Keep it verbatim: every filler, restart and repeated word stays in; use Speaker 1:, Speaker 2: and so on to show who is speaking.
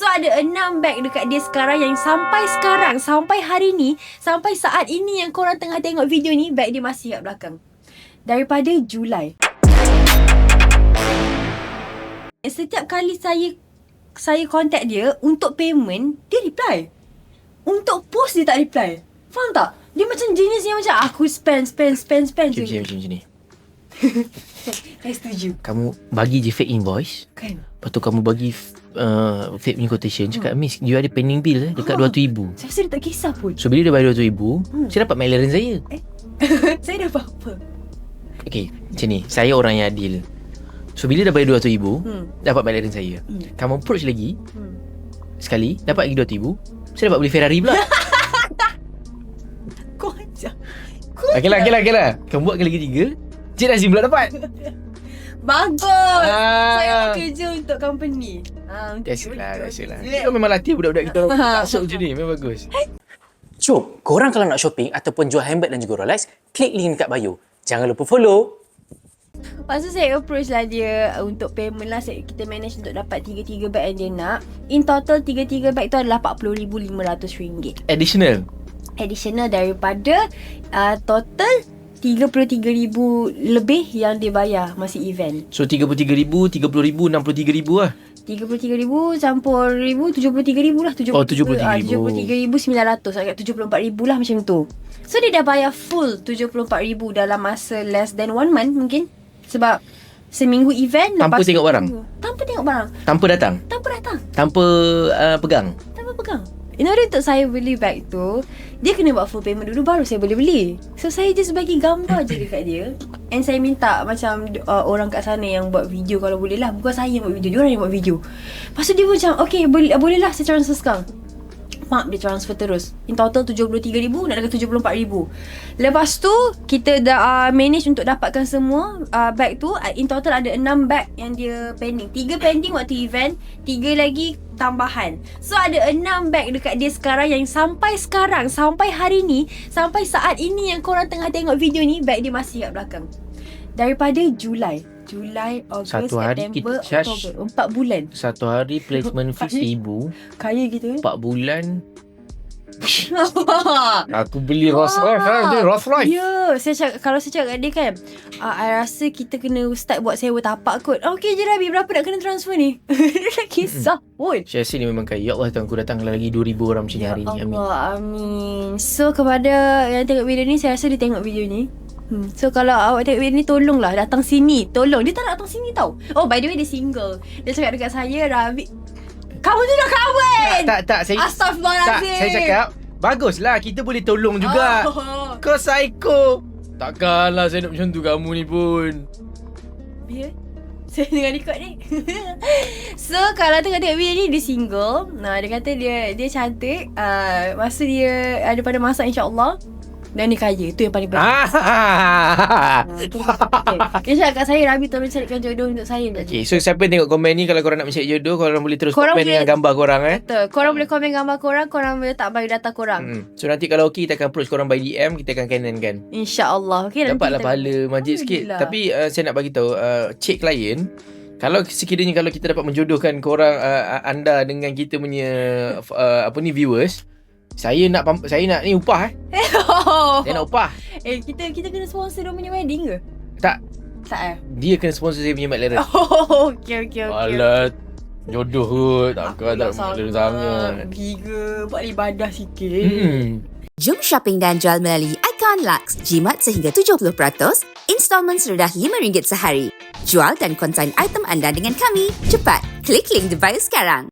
Speaker 1: So ada enam bag dekat dia sekarang yang sampai sekarang, sampai hari ni, sampai saat ini yang korang tengah tengok video ni, bag dia masih kat belakang. Daripada Julai. Setiap kali saya saya contact dia untuk payment, dia reply. Untuk post dia tak reply. Faham tak? Dia macam jenis yang macam aku spend, spend, spend, spend
Speaker 2: Macam
Speaker 1: je.
Speaker 2: macam ni.
Speaker 1: Saya setuju.
Speaker 2: Kamu bagi je fake invoice.
Speaker 1: Kan?
Speaker 2: Lepas tu kamu bagi uh, fake punya quotation. Cakap, Miss, you ada pending bill eh, dekat
Speaker 1: Ha.
Speaker 2: dua ratus ribu.
Speaker 1: Saya rasa dia tak kisah pun.
Speaker 2: So bila dia bayar dua ratus ribu,
Speaker 1: Hmm.
Speaker 2: saya dapat McLaren saya.
Speaker 1: Eh? Saya dah apa-apa.
Speaker 2: Okay, macam ni. Saya orang yang adil. So bila dah bayar dua ratus ribu,
Speaker 1: Hmm.
Speaker 2: dapat McLaren saya.
Speaker 1: Hmm.
Speaker 2: Kamu approach lagi
Speaker 1: Hmm.
Speaker 2: sekali, dapat lagi dua ratus ribu, saya dapat beli Ferrari pula.
Speaker 1: Kau ajar.
Speaker 2: Okay lah, okay lah, okay lah. Kamu buat kali ketiga, Cik Nazim pula dapat.
Speaker 1: Bagus.
Speaker 2: Ah.
Speaker 1: Saya bekerja untuk company. Ah, untuk
Speaker 2: Biasalah,
Speaker 1: untuk-
Speaker 2: biasalah.
Speaker 1: untuk-
Speaker 2: Kita memang latih budak-budak kita masuk macam ni. Memang bagus.
Speaker 3: Jom, korang kalau nak shopping ataupun jual handbag dan juga Rolex, klik link dekat bio. Jangan lupa follow.
Speaker 1: Lepas tu saya approach lah dia untuk payment lah. Saya, kita manage untuk dapat tiga-tiga bag yang dia nak. In total tiga-tiga bag tu adalah empat puluh ribu lima ratus ringgit.
Speaker 2: Additional.
Speaker 1: Additional daripada uh, total tiga puluh tiga ribu lebih yang dia bayar masa event.
Speaker 2: So tiga puluh tiga ribu, tiga puluh ribu, enam puluh tiga ribu lah.
Speaker 1: tiga puluh tiga ribu campur ribu, tujuh puluh tiga ribu lah.
Speaker 2: Oh, tujuh puluh tiga ribu.
Speaker 1: tujuh puluh tiga ribu sembilan ratus. Agak tujuh puluh empat ribu lah macam tu. So dia dah bayar full tujuh puluh empat ribu dalam masa less than one month mungkin. Sebab seminggu event.
Speaker 2: Tanpa
Speaker 1: lepas
Speaker 2: tengok
Speaker 1: tu-
Speaker 2: barang?
Speaker 1: Tanpa tengok barang.
Speaker 2: Tanpa datang.
Speaker 1: Tanpa datang.
Speaker 2: Tanpa uh, pegang.
Speaker 1: Tanpa pegang. In order untuk saya beli bag tu, dia kena buat full payment dulu baru saya boleh beli. So saya just bagi gambar je dekat dia. And saya minta macam uh, orang kat sana yang buat video kalau boleh lah. Bukan saya yang buat video, dia orang yang buat video. Lepas tu dia pun macam, okay boleh, boleh lah saya transfer sekarang. Mak dia transfer terus. In total tujuh puluh tiga ribu nak dekat tujuh puluh empat ribu. Lepas tu kita dah uh, manage untuk dapatkan semua uh, bag tu. uh, In total ada enam bag yang dia pending. tiga pending waktu event, tiga lagi tambahan. So ada enam bag dekat dia sekarang yang sampai sekarang, sampai hari ni, sampai saat ini yang korang tengah tengok video ni, bag dia masih kat belakang. Daripada Julai Julai, Ogos,
Speaker 2: Satu hari
Speaker 1: September,
Speaker 2: kita charge-
Speaker 1: Oktober. Empat bulan.
Speaker 2: Satu hari placement fee seribu.
Speaker 1: Kaya gitu eh.
Speaker 2: Empat bulan. Aku beli Rolls Royce lah. Dia Rolls Royce.
Speaker 1: Ya, saya cakap, kalau saya cakap kat dia kan, uh, I rasa kita kena start buat sewa tapak kot. Oh, okay je Rabi, berapa nak kena transfer ni? Dia dah kisah pun.
Speaker 2: Saya rasa ni memang kaya. Ya Allah, Tuhan aku datang lagi dua ribu orang macam ni hari ni. Amin.
Speaker 1: Allah, amin. So, kepada yang tengok video ni, saya rasa dia tengok video ni. Hmm. So, kalau awak tengok video ni, tolonglah datang sini. Tolong. Dia tak nak datang sini tau. Oh, by the way, dia single. Dia cakap dekat saya, Rabi, kamu tu dah kahwin!
Speaker 2: Tak, tak, saya... Tak,
Speaker 1: Astaghfirullahaladzim.
Speaker 2: saya cakap, baguslah kita boleh tolong juga.
Speaker 1: Oh.
Speaker 2: Kau psycho. Takkanlah saya nak macam tu kamu ni pun.
Speaker 1: Biar saya tengah record ni. So kalau tengok-tengok video ni, dia single. Nah, dia kata dia dia cantik. uh, Masa dia ada pada masa insyaAllah. Dan dia kaya. Itu yang paling penting.
Speaker 2: Ah.
Speaker 1: uh, tu, okay. Dia cakap kat saya, Rabi tolong carikan jodoh untuk saya.
Speaker 2: Okay, so siapa yang tengok komen ni, kalau korang nak mencari jodoh, korang boleh terus
Speaker 1: Korang
Speaker 2: komen
Speaker 1: boleh-
Speaker 2: dengan gambar korang eh.
Speaker 1: Betul. Korang boleh komen gambar korang. Korang boleh tak bagi data korang.
Speaker 2: Hmm. So nanti kalau okey, kita akan approach korang by D M, kita akan canon kan.
Speaker 1: InsyaAllah. Okay, nanti
Speaker 2: Dapatlah
Speaker 1: kita-
Speaker 2: pahala majid sikit.
Speaker 1: Alhamdulillah.
Speaker 2: Tapi uh, saya nak bagi tahu, uh, cik klien, kalau sekiranya kalau kita dapat menjodohkan korang, uh, anda dengan kita punya uh, apa ni viewers, saya nak pam- saya nak ni upah eh.
Speaker 1: Oh.
Speaker 2: Saya nak upah.
Speaker 1: Eh, kita kita kena sponsor dia punya wedding ke?
Speaker 2: Tak,
Speaker 1: Tak eh?
Speaker 2: dia kena sponsor saya punya McLaren.
Speaker 1: Oh, okay, okay, okay.
Speaker 2: Alah, jodoh kot. Takkan tak McLaren sangat.
Speaker 1: Giga, buat ibadah sikit.
Speaker 2: Hmm.
Speaker 4: Jom shopping dan jual melalui Icon Lux. Jimat sehingga tujuh puluh peratus, installmen serendah lima ringgit sehari. Jual dan konsign item anda dengan kami. Cepat, klik link di bio sekarang.